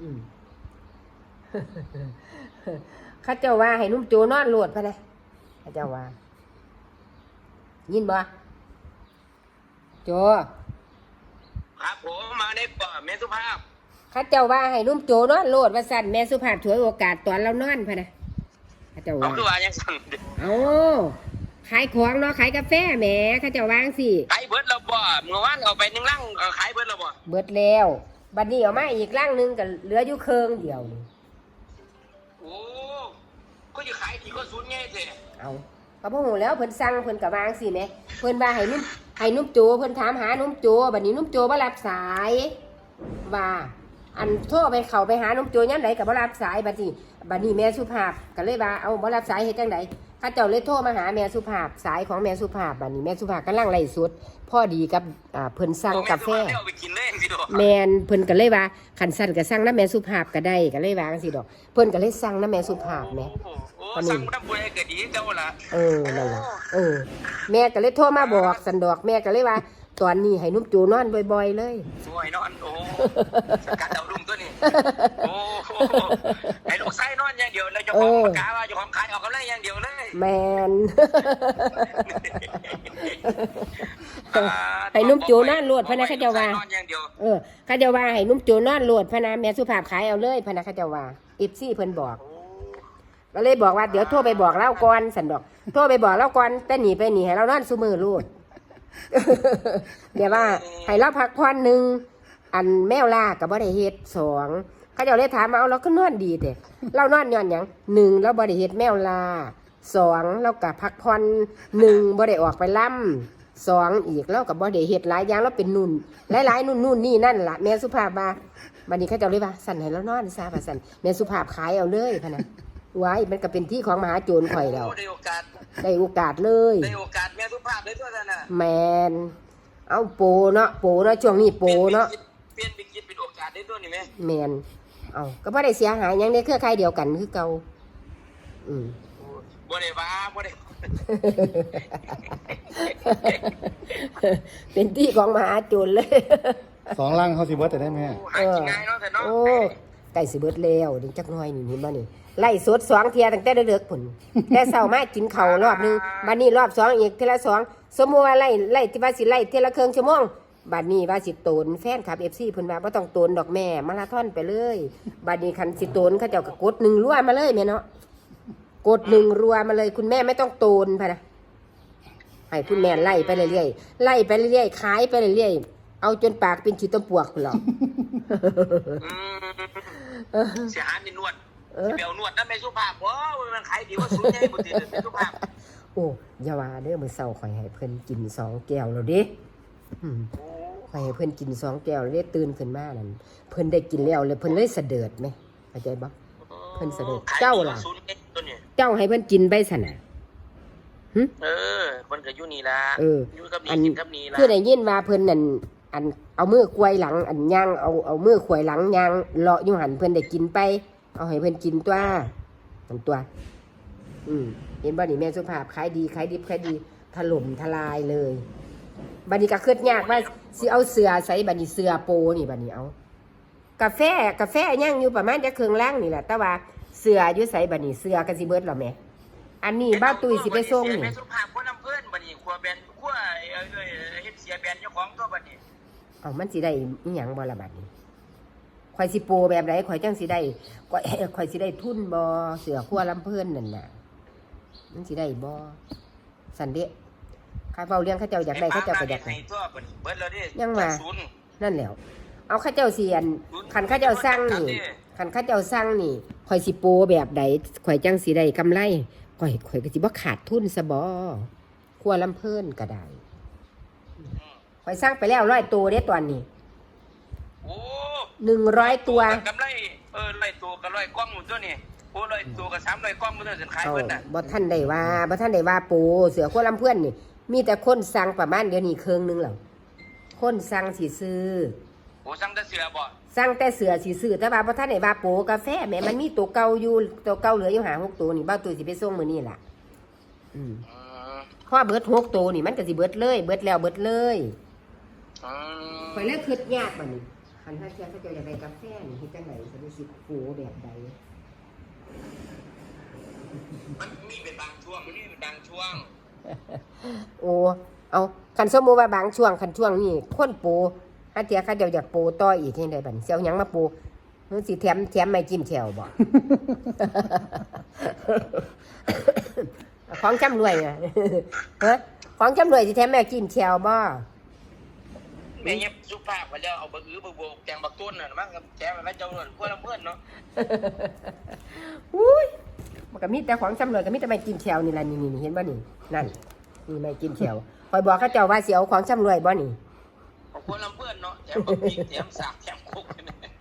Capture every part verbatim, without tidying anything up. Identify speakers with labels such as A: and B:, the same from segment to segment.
A: อืมข้าเจ้าว่าให้นุ่มโจนอนโหลดพะนะข้าเจ้าว่ายินบ่โจ
B: ครับผมมาในป่อแม่สุภาพ
A: ข้าเจ้าว่าให้นุ่มโจนอนโหลดว่าสั่นแม่สุภาพถวยโอกาสตอนเรานอนพะนะข้าเจ้าว่า
B: เอาคือว่ายังสั่ง
A: เอาขายของเนาะขายกาแฟแหมข้าเจ้าวางสิ
B: ขายเบิร์ดเราบ่เมื่อวานเอาไปหนึ่งลังขายเบิร์ดเราบ่
A: เบิดแล้วบัดนี้เอามาอีกลังนึงก็เหลืออยู่เครื่องเดียวนี่
B: โอ้ก็จะขายดีก็ศูนย์ไงเถอะ
A: เอาก็บ่ฮู้แล้วเพิ่นสั่งเพิ่นก็วางสิแหมเพิ่นว่าให้นุ่มให้นุ่มโจเพิ่นถามหานุ่มโจบัดนี้นุ่มโจบ่รับสายว่าอันโทรไปเข้าไปหานุ่มโจยามใดก็บ่รับสายบัดนี้บัดนี้แม่สุภาพก็เลยว่าเอาบ่รับสายเฮ็ดจังไดข้าเจ้าเลยโทรมาหาแม่สุภาพสายของแม่สุภาพบัดนี้แม่สุภาพกำลังไล่สดพอดีกับอ่าเพิ่นสั่งกาแฟแม่นเพิ่นก็เลยว่าคันสั่นก็สั่งนำแม่สุภาพก็ได้ก็เลยว่าจังซี่ดอกเพิ่นก็เลยสั่งนำแม่สุภาพแหม
B: โอ้สั่งนำบ่ได้ก็ดีเจ้าล่ะ
A: เออนั่นล่ะเออแม่ก็เลยโทรมาบอกสันดอกแม่ก็เลยว่าตอนนี้ให้นุ่มจูนอนบ่อยๆเลย
B: สวยนอนโอ้สกัดดาวรุ่งตัวนี้โอ้ให้ลูกไส้นอนอย่างเดียวแล้วเจ้าของประกาศว่าเจ้าของขายออกกำไรอย่างเดียวเลย
A: แมนให้นุ่มจูนอนโหลดพะนะข้าเจ้าว่าเออข้าเจ้าว่าให้นุ่มจูนอนโหลดพะนะแม่สุภาพขายเอาเลยพะนะข้าเจ้าว่าอิฟซี่เพิ่นบอกก็เลยบอกว่าเดี๋ยวโทรไปบอกเล่าก่อนสันดอกโทรไปบอกเล่าก่อนแต่หนีไปหนีให้เรานอนซุมือลูดเดี๋ยวว่าให้เราพักผ่อนหนึ่งอันแมวล่ากับบ่ได้เฮ็ดสองเขาเจ้าเลยถามมาเอาเราก็นอนดีแต่เรานอนย้อนหยังหนึ่งเราบ่ได้เฮ็ดแมวล่าสองเรากับพักผ่อนหนึ่งบ่ได้ออกไปล่ำสองอีกเรากับบ่ได้เฮ็ดหลายอย่างเราเป็นนุ่นหลายๆนุ่นนุ่นนี่นั่นล่ะแม่สุภาพว่าบัดนี้เขาเจ้าเลยว่าสั่นให้เรานอนซะว่าสั่นแม่สุภาพขายเอาเลยพะนะไว้มันก็เป็นที่ของมหาโจรข่อยแล้ว
B: ได้โอกาส
A: ได้โอกาสเลย
B: ได้โอกาสแม่สุภาพเลยตัวนั้นน่ะ
A: แมนเอาโปเนาะโปเนาะช่วงนี้โปเนาะ
B: เปลี่ยนเป็นคิดเป็นโอกาสได้ตัวนี้แม่
A: แมนเอาก็บ่ได้เสียหายหยังในเครือข่ายเดียวกันคือเก่าอืม
B: บ่ได้ว่าบ่ได้
A: เป็นที่ของมหาโจรเลย
C: สองลังเขาสิเบิร์ดแต่ได้ไหม
B: หากินง่ายเนาะแต่เนาะ
A: โอ้ไก่สิเบิดแล้วนี่จักหน่อยนี่เห็นบ่นี่ไล่สดสองเทียตั้งแต่เด็กๆพุ่นแต่เช้ามากินข้าวรอบนึงบัดนี้รอบสองอีกเทีละสองสมมุติว่าไล่ไล่ที่ว่าสิไล่เทีละครึ่งชั่วโมงบัดนี้ว่าสิโตนแฟนคลับ เอฟ ซี เพิ่นว่าบ่ต้องโตนดอกแม่มาราธอนไปเลยบัดนี้คันสิโตนเขาเจ้าก็กดหนึ่งรัวมาเลยแม่เนาะกดหนึ่งรัวมาเลยคุณแม่ไม่ต้องโตนพะนะให้คุณแม่ไล่ไปเรื่อยๆไล่ไปเรื่อยๆขายไปเรื่อยๆเอาจนปากเป็นขี้ต้มปวกพุ่นหรอก
B: เสียหายในนวดเบลนวดนั่นไม่สุภาพว้าวมันขายดีว่าสุดใหญ่หมดทีเดียวไม่สุภาพ
A: โอ้อย่าว่าเด้อมื้อเช้าข่อยให้เพิ่นกินสองแก้วแล้วเด้อืมข่อยให้เพิ่นกินสองแก้วแล้วเด้ตื่นขึ้นมานั่นเพิ่นได้กินแล้วเลยเพิ่นเลยเสด็จไหมเข้าใจบ่เพิ่นเสด็จเจ้าล่ะเจ้าให้เพิ่นกินไปซั่นน่ะหึ
B: เออเพิ่นก็อยู่นี่ล่ะ
A: เออ
B: อยู่กับนี่กินกับนี่ล่ะ
A: คือได้ยินว่าเพิ่นนั่นอันเอามือควยหลังอันย่างเอาเอามือควยหลังย่างเลาะอยู่หั่นเพิ่นได้กินไปเอาให้เพิ่นกินตัวทั้งตัวอืมเห็นบ่นี่แม่สุภาพขายดีขายดิบขายดีถล่มทลายเลยบัดนี้ก็คิดยากว่าสิเอาเสือใส่บัดนี้เสือโปนี่บัดนี้เอากาแฟกาแฟย่างอยู่ประมาณจะเครื่องล่างนี่แหละแต่ว่าเสืออยู่ใส่บัดนี้เสือก็สิเบิดแล้วแม่อันนี้บ้าตุ้ยสิไปส่งนี่
B: แม่สุภาพคนอำเภอบัดนี้ครัวแบนครัวเอ้ยเฮ็ดเสียแบนเจ้าของตัวบัดนี้
A: เอามันสิได้อีหยังบ่ล่ะบัดนี้ข่อยสิโปแบบไหนข่อยจังสิได้ข่อยข่อยสิได้ทุนบ่เสือขั้วลำเพิ่นนั่นน่ะมันสิได้บ่สันเดะข้าเฝ้าเลี้ยงข้าเจ้าอยากได้ข้าเจ้าก็อยากได้ยังมานั่นแหละเอาข้าเจ้าเสียนขันข้าเจ้าสร้างนี่ขันข้าเจ้าสร้างนี่ข่อยสิโปแบบใดข่อยจังสิได้กำไรข่อยข่อยก็สิบ่ขาดทุนซะบ่ขั้วลำเพิ่นก็ได้ข่อยสร้างไปแล้วร้อยตัวเด้ตอนนี้
B: โอ้
A: หนึ่งร้อยตัว
B: กำไรเออร้อยตัวกับร้อยกล้องหมดตัวนี่โอ้ร้อยตัวกับสามร้อยกล้องหมดตัวสินขายเพิ่นน่ะ
A: บ่ท่านได้ว่าบ่ท่านได้ว่าปูเสือขั้วลำเพิ่นนี่มีแต่คนสั่งประมาณเดี๋ยวนี้เครื่องนึงแล้วคนสั่งสิซื้อ
B: โอ้สั่งแต่เสือบ่
A: สั่งแต่เสือสิซื้อแต่ว่าบ่ท่านได้ว่าโปกาแฟแม่มันมีตัวเก่าอยู่ตัวเก่าเหลืออยู่ห้า หกตัวนี่บ่าวตุ้ยสิไปส่งมื้อนี้ล่ะอืมพอเบิดหกตัวนี่มันก็สิเบิดเลยเบิดแล้วเบิดเลย
B: อ๋อ
A: ข่อยเลยคิดยากบัดนี้คันถ้าเทียบเขาเจ้าอยากได้กาแฟนี่เฮ็ดจังไดก็ได้สิโปแบบใด
B: มันมีเป็นบางช่วงมันมีเป็นบางช่วง
A: โอ้เอาคันสมมุติว่าบางช่วงคันช่วงนี้คนปูถ้าเทียเขาเจ้าอยากปูต่ออีกเฮ็ดได้บัดนี้สิเอาหยังมาปูมันสิแถมแถมไม่จิ้มแจ่วบ่ ของจำรวยอ่ะ ฮะของจำรวยสิแถมแม่จิ้มแจ่วบ่
B: แม่เงียบสุภาพไปแล้วเอาบะอื้อบะโบกแกงบักต้นน่ะมั้งแกงอะไรเจ้าหน่อยพวกเราเพื่อนเนาะ
A: อุ้ยมันก็มีแต่ของจำรวยก็มีแต่ไม่จิ้มแจ่วนี่ล่ะนี่ๆเห็นบ่นี่นั่นนี่ไม่จิ้มแจ่วคอยบอกเขาเจ้าว่าสิเอาของจำรวยบ่นี่
B: ของพวกเราเพื่อนเนาะแถมบักพริกแถมสากแถมคุก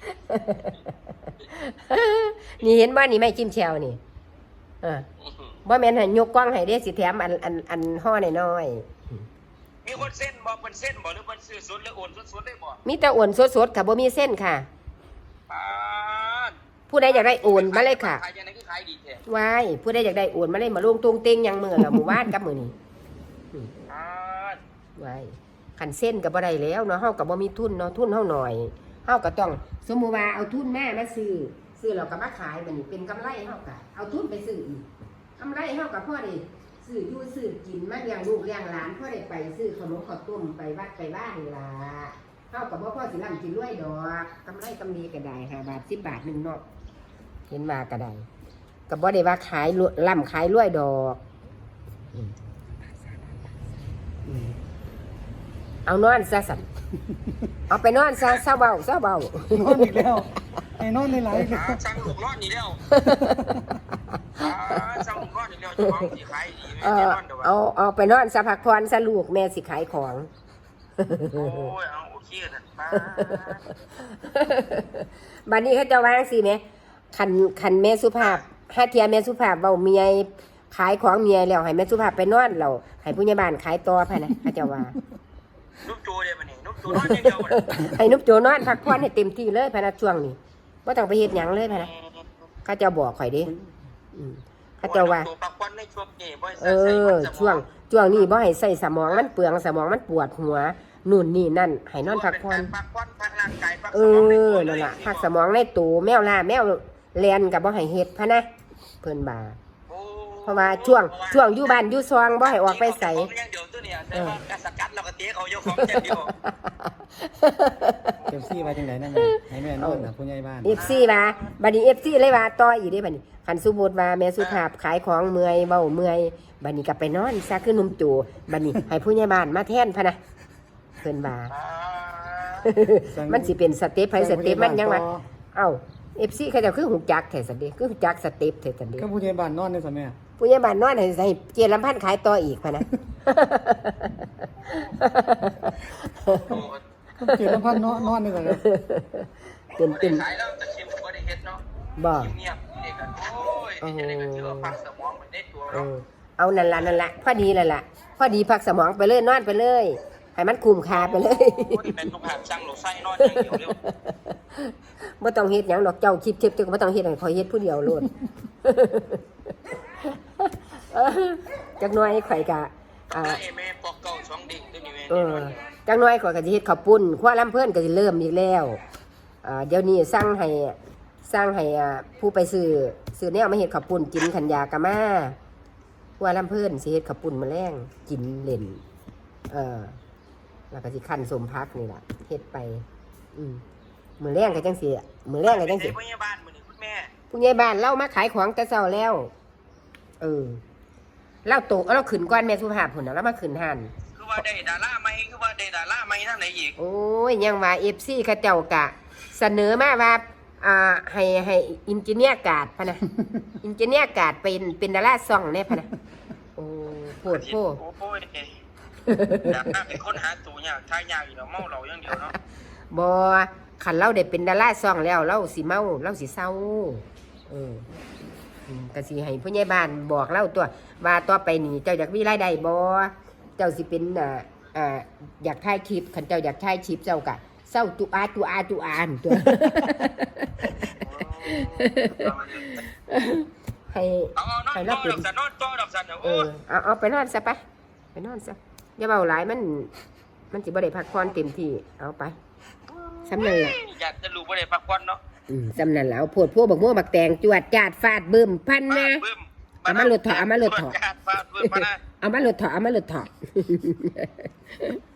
A: นี่เห็นบ่นี่ไม่จิ้มแจ่วนี่เออบ่แม่นให้ยกกล้องให้เด้สิแถมอันอันอันห่อน้อยๆ
B: มีคนเส้นบอกเป็นเส้นบอกหรือเป็นซื้อสดหรือโอนสดๆได้บอก
A: มีแต่โอนสดๆค่ะบ่มีเส้นค่ะ
B: ปาด
A: ผู้ใดอยากได้โอนมาเลยค่ะ
B: ขายยังไงคือขายดีแท้
A: ว้ายผู้ใดอยากได้โอนมาเลยมาลงตรงเต็งยังมือละหมู่บ้านกับมือนี่
B: ปาด
A: ว้ายคันเส้นก็บ่ได้แล้วเนาะเฮาก็บ่มีทุนเนาะทุนเฮาหน่อยเฮาก็ต้องสมมุติว่าเอาทุนแม่มาซื้อซื้อแล้วก็มาขายบัดนี้เป็นกำไรเฮาก็เอาทุนไปซื้ออีกกำไรเฮาก็พอได้ซื้ออยู่ซื้อกินมาเลี้ยงลูกเลี้ยงหลานพอได้ไปซื้อขนมข้าวต้มไปวัดไปบ้านนี่ล่ะเฮาก็บ่พอสิร่ำสิรวยดอกกำไรกำดีก็ได้ห้าบาทสิบบาทนึงเนาะเห็นว่าก็ได้ก็บ่ได้ว่าขายร่ำขายรวยดอกอืมอืมเอานอนซะสั่นเอาไปนอนซะเศร้าเบาเศร้าเบาน
C: อนอีกแล้วไอ้นอนในหลายอีกแล้ว
B: หาสั่งลูกรอดนี่แล้วหาสั่งลูกรอดนี่แล้วเจ้าของสิขายดี
A: เอ
B: แม่
A: อ
B: นอนเด้อวะ
A: เอาเอาไปนอนซะพักผ่อนซะลูกแม่สิขายของ
B: โอ้ยเอาโอเคน่ะปาด
A: บัดนี้เขาจะวางสิแม่คันคันแม่สุภาพห้าเทียแม่สุภาพเว้าเมียขายของเมียแล้วให้แม่สุภาพไปนอนแล้วให้ผู้ใหญ่บ้านขายต่อพะนะเขาจะว่า
B: นุ๊กโจเด้บัดนี้นุ๊กโจนอนอย่างเดียวบัดนี้
A: ให้นุบโจนอนพักผ่อนให้เต็มที่เลยพะนะช่วงนี้บ่ต้องไปเฮ็ดหยังเลยพะนะเขาเจะบอกข่อยเด้อืมเขาเจะว่า
B: ตัวปักควันในช่วงนี้บ่
A: เอ
B: ใส่
A: อ
B: มันสม
A: ช่วงช่วงนี้บ่ให้ใส่สมองมันเปลืองสมองมันปวดหัวนู่นนี่นั่นให้นอนพักผ่อน
B: ปักควันพักร่างกายพัก
A: เอ
B: สมองใน
A: อ
B: ตัว
A: นั่น
B: เลย
A: ล่ะพักสมองในตูแมวล่าแมวแลนกับบ่ให้เฮ็ดพะนะเพิ่นบ่า
B: โอ้
A: เพราะว่าช่วงช่วงอยู่บ้านอยู่ซองบ่ให้ออกไปใส่
B: ของอย่างเดียวตัวเนี่ยแต่ว่าการสกัดเราก็เตะเขาเจ้าของอย่างเดียว
C: เก็บซี่ไว้จังไดนั่นแหละให้แม่นอนนะผู้ใหญ่บ้าน
A: เอฟซีว่าบัดนี้ เอฟซี เลยว่าต่ออีกเด้บัดนี้คันสมมุติว่าแม่สุภาพขายของเมื่อยเว้าเมื่อยบัดนี้ก็ไปนอนซะคือหนุ่มจู่บัดนี้ให้ผู้ใหญ่บ้านมาแทนพะนะเพิ่นว่า มันสิเป็นสเต็ปไผสเต็ปมันยังว่าเอ้า เอฟ ซี เขาเจ้าคือหูจักแท้ซั่นเด้คือหูจักสเต็ปแท้ซั่นเด้
C: ก็ผู้ใหญ่บ้านนอนได้ซะแม่
A: ผู้ใหญ่บ้านนอนให้ให้เจรลำพันธ์ขายต่ออีกพะนะ
C: ก็เกิดลำพันนอนนอนได้ซะครับ
A: เป็น
B: เป็
A: เป็น น
B: สายแล้วแต่ชิมก็ได้เฮ็ดเนาะ
A: บ่
B: เงียบๆเด็กกันโอ้ยเด็กก็ถือว่าพักสมองมันได้ตัว
A: เอ
B: เนาะ
A: อเอานั่นล่ะนั่นล่ะพอดีแล้วล่ะพอดีพักสมองไปเลยนอนไปเลยให้มันคุ้มค่าไปเลย
B: โอ้ยเป็นต้องหาช่างหลูไส้นอนอย่างเดียวเร็ว
A: บ่ต้องเฮ็ดหยังดอกเจ้าคลิปเทปเจ้าก็บ่ต้องเฮ็ดให้ข่อยเฮ็ดผู้เดียวโลด เออจักหน่อยข่อยก็อ่า
B: ได้แม่ปอกเก่าสองเด็กตัวนี้แม่
A: เออจักหน่อยข่อยก็สิเฮ็ดข้าวปุ้นครัวลำเพิ่นก็สิเริ่มอีกแล้วอ่าเดี๋ยวนี้สั่งให้สั่งให้อ่าผู้ไปซื้อซื้อแนวมาเฮ็ดข้าวปุ้นกินขันยากะมาครัวลำเพิ่นสิเฮ็ดข้าวปุ้นมื้อแลงกินเล่นเออแล้วก็สิคั่นสมพักนี่ล่ะเฮ็ดไปอืมมื้อแลงก็จังสิมื้อแลงก็จังสิ
B: พยาบาลมื้อนี้คุณแม่
A: ผู้ใหญ่บ้านเล่ามาขายของแต่เช้าแล้ว เออเล่าโตเราขึ้นก้อนแม่สุภาพผุนนะแล้วมาขึ้นหัน
B: คือว่าได้ดาราใหม่คือว่าได้ดาราใหม่ทางไหนอีก
A: โอ้ยยังว่าเอฟซีเขาเจ้ากะ เสนอมาว่าอ่าให้ให้อินจิเนียร์การ์ดพะนะ อินจิเนียร์การ์ดเป็นเป็นดาราซ่องเนี่ยพะนะโอ้โหดโพ
B: โอ้ยอยากนั่งเป็นคนหาตัวยากทายยากอยู่เนาะเมาเราอย่างเดียวเนาะ
A: บอขันเราได้เป็นดาราซ่องแล้วเราสิเมาเราสิเศร้าเอออืมก็สิให้ผู้ใหญ่บ้านบอกเล่าตัวว่าต่อไปนี่เจ้าอยากมีรายได้บ่เจ้าสิเป็นอ่าอ่าอยากถ่ายคลิปคันเจ้าอยากถ่ายคลิปเจ้ากะเศร้าตุอาตุอาตุอานตัว ให้
B: เอาเอานอนต่อดอกสันนอนต่อดอกสัน
A: เอ
B: โอ้
A: อย เอาเอาไปนอนซะไปไปนอนซะอย่าเบาหลายมัน มันสิบ่ได้พักผ่อนเต็มที่เอาไปสำนั่นล่ะ
B: อยากจะรู้บ่ได้พักผ่อนเนาะ
A: อืมสำนั่นล่ะเอาโพดพวกบักม่วงบักแตงจวดจาดฟาดบึ้มพันนะ
B: บึ้ม
A: เอามาหลุดเถอะเอามาหลุดเถอะ
B: ฟาดบึ้มมานะ
A: เอามาหลุดเถอะเอามาหลุดเถอะ